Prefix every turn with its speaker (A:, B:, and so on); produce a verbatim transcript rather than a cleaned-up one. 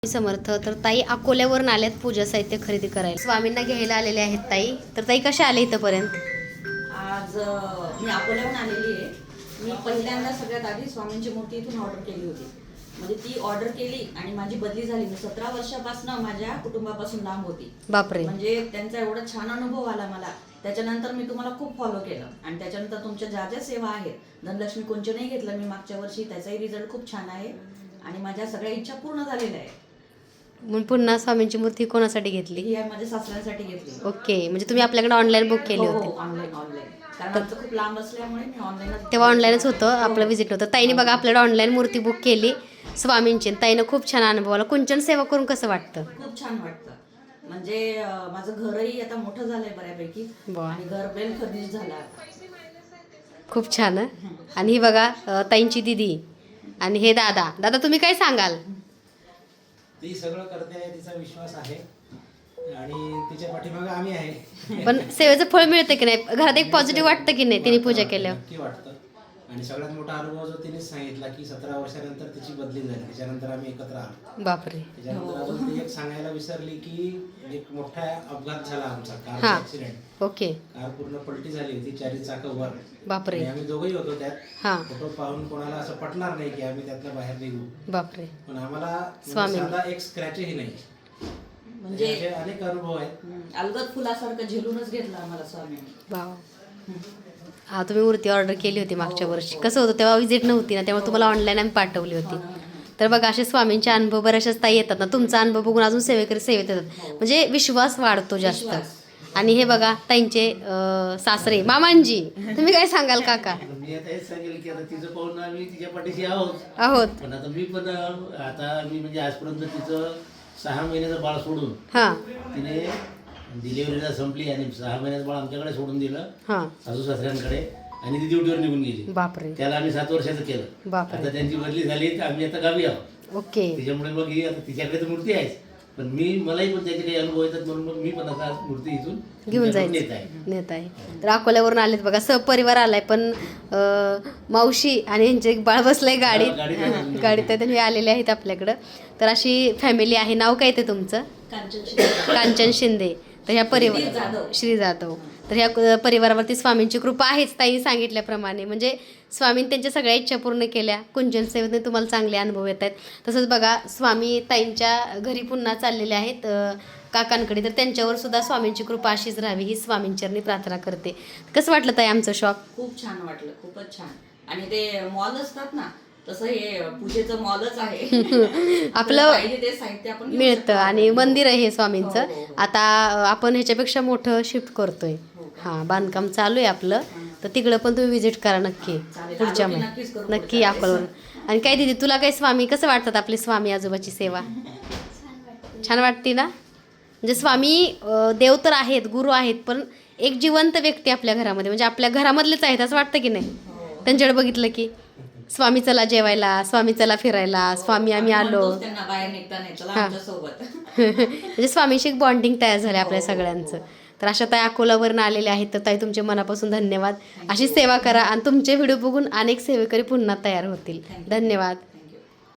A: समर्थ. तर ताई अकोल्यावरून आल्यात पूजा साहित्य खरेदी करायला, स्वामींना घ्यायला आलेले आहेत ताई. तर ताई कशा आले इथपर्यंत?
B: आज मी अकोल्याहून आलेली आहे. मी पहिल्यांदा सगळ्यात आधी स्वामींची मूर्ती इथून ऑर्डर केली होती. म्हणजे ती ऑर्डर केली आणि माझी बदली झाली. मी सतरा वर्षापासून माझ्या कुटुंबापासून लांब होती.
A: बापरे.
B: म्हणजे त्यांचा एवढा छान अनुभव आला मला. त्याच्यानंतर मी तुम्हाला खूप फॉलो केलं आणि त्याच्यानंतर तुमच्या ज्या ज्या सेवा आहेत, धनलक्ष्मी कुंचनही घेतलं मी मागच्या वर्षी, त्याचाही रिझल्ट खूप छान आहे आणि माझ्या सगळ्या इच्छा पूर्ण झालेल्या आहेत.
A: मग पुन्हा स्वामींची मूर्ती कोणासाठी घेतली?
B: ही माझ्या सासऱ्यांसाठी घेतली.
A: ओके, म्हणजे तुम्ही आपल्याकडे ऑनलाईन बुक केली होती?
B: ऑनलाईन ऑनलाईन कारण आमचं खूप लांब असल्यामुळे मी ऑनलाईन.
A: तेव्हा ऑनलाईनच होतं आपलं विजिट होतं. ताईने बघा आपल्याकडे ऑनलाईन मूर्ती बुक केली स्वामींची. ताईनं खूप छान अनुभव आला. कुंचन सेवा करून कसं वाटतं?
B: खूप छान वाटतं. म्हणजे माझं घरही आता मोठं झालंय बऱ्यापैकी आणि घर बेल फर्निश झालं.
A: खूप छान. आणि ही बघा ताईंची दिदी आणि हे दादा. दादा तुम्ही काय सांगाल?
C: ती सगळं करते आहे, तिचा विश्वास आहे आणि तिच्या पाठीमागे आम्ही आहे.
A: पण सेवेचं फळ मिळतं की नाही? घरात एक पॉझिटिव्ह वाटतं की नाही तिने पूजा केल्यावर?
C: नक्की वाटतं. आणि सगळ्यात मोठा अनुभव जो तिने सांगितला की सतरा वर्षानंतर तिची बदली झाली, त्याच्यानंतर आम्ही एकत्र आलो.
A: बापरे.
C: त्याच्यानंतर अजून ती एक सांगायला विसरली की एक मोठा अपघात झाला आमचा, कार ऍक्सिडेंट.
A: ओके.
C: कार पूर्ण पलटी झाली होती, चारी चाकं वर.
A: बापरे.
C: आम्ही दोघंही होतो त्यात.
A: हा.
C: फोटो पाहून कोणाला असं पटणार नाही की आम्ही त्यातनं बाहेर निघू.
A: बापरे.
C: पण आम्हाला
A: स्वामी
C: साधा एक स्क्रॅचही नाही. म्हणजे अनेक अनुभव आहेत.
B: अलगद फुलासारखं झेलूनच घेतलं आम्हाला स्वामींनी.
A: वाव. हा, तुम्ही मूर्ती ऑर्डर केली होती मागच्या वर्षी. कसं होतं तेव्हा विजिट नव्हती ना, त्यामुळे तुम्हाला ऑनलाईन आम्ही पाठवली होती. तर बघा असे स्वामींचे अनुभव बऱ्याचशाच ताई येतात ना, तुमचा अनुभव बघून अजून सेवेकरी सेवेत येतात. म्हणजे विश्वास वाढतो जास्त. आणि हे बघा ताईंचे सासरे मामांजी. तुम्ही काय सांगाल काका?
D: मी आता हेच सांगेल की आता तिचं पाहून आम्ही तिच्या पाठीशी आहोत
A: आहोत
D: पण आता मी पण आता मी म्हणजे आजपर्यंत तिचं सहा महिन्याचं बाळ सोडून
A: हा
D: तिने डिलिव्हरीला संपली आणि सहा महिन्याचं बाळ आमच्याकडे सोडून दिलं
A: हा.
D: सासू सासऱ्यांकडे आणि ती ड्युटीवर निघून गेली.
A: बापरे.
D: त्याला आम्ही सात वर्षाचं केलं.
A: बापरे.
D: आता त्यांची बदली झाली तर आम्ही आता गावी आहोत.
A: ओके.
D: त्याच्यामुळे मग ही आता तिच्याकडे तर मूर्ती आहेच, पण मी मलाही पण त्याचे काही अनुभव येतात म्हणून मग मी पण आता मूर्ती इथून
A: घेऊन जायचं
D: नेत आहे
A: नेत आहे. तर अकोल्यावरून आलेत बघा, सहपरिवार आलाय. पण मावशी आणि यांचे एक बाळ बसलंय गाडीत. गाडीत आहे त्यांनी आलेले आहेत आपल्याकडं. तर अशी फॅमिली आहे. नाव काय ते तुमचं?
B: कांचन शिंदे.
A: कांचन शिंदे. तर ह्या परिवार श्री जाधव. तर ह्या परिवारावरती स्वामींची कृपा आहेच ताई सांगितल्याप्रमाणे. म्हणजे स्वामींनी त्यांच्या सगळ्या इच्छा पूर्ण केल्या. कुंजन सेवेने तुम्हाला चांगले अनुभव येत आहेत. तसंच बघा स्वामी ताईंच्या घरी पुन्हा चाललेले आहेत काकांकडे. तर त्यांच्यावर सुद्धा स्वामींची कृपा अशीच राहावी ही स्वामींचरणी प्रार्थना करते. कसं वाटलं ताई आमचं शॉप?
B: खूप छान वाटलं, खूपच छान. आणि ते मॉल असतात ना, तसं हे पूजेचं मॉलच आहे.
A: आपलं
B: ते साहित्य आपण
A: मिळतं आणि मंदिर आहे हे स्वामींचं. आता आपण ह्याच्यापेक्षा मोठं शिफ्ट करतोय. हां, बांधकाम चालू आहे आपलं. तर तिकडं पण तुम्ही व्हिजिट करा नक्की पुढच्या महिन्यात. नक्की अकोल्यावरून. आणि काय दिदी तुला काय स्वामी कसं वाटतात आपले स्वामी आजोबाची सेवा? छान वाटते ना? म्हणजे स्वामी देव तर आहेत, गुरु आहेत, पण एक जिवंत व्यक्ती आपल्या घरामध्ये, म्हणजे आपल्या घरामधलेच आहेत असं वाटतं की नाही? त्यांच्याकडे बघितलं की स्वामी चला जेवायला, स्वामी चला फिरायला, स्वामी आम्ही आलो. म्हणजे स्वामीशी एक बॉन्डिंग तयार झालं आपल्या सगळ्यांचं. तर अशा ताई अकोलावरून आलेले आहेत. तर ताई तुमचे मनापासून धन्यवाद. अशी सेवा करा आणि तुमचे व्हिडिओ बघून अनेक सेवेकरी पुन्हा तयार होतील. धन्यवाद.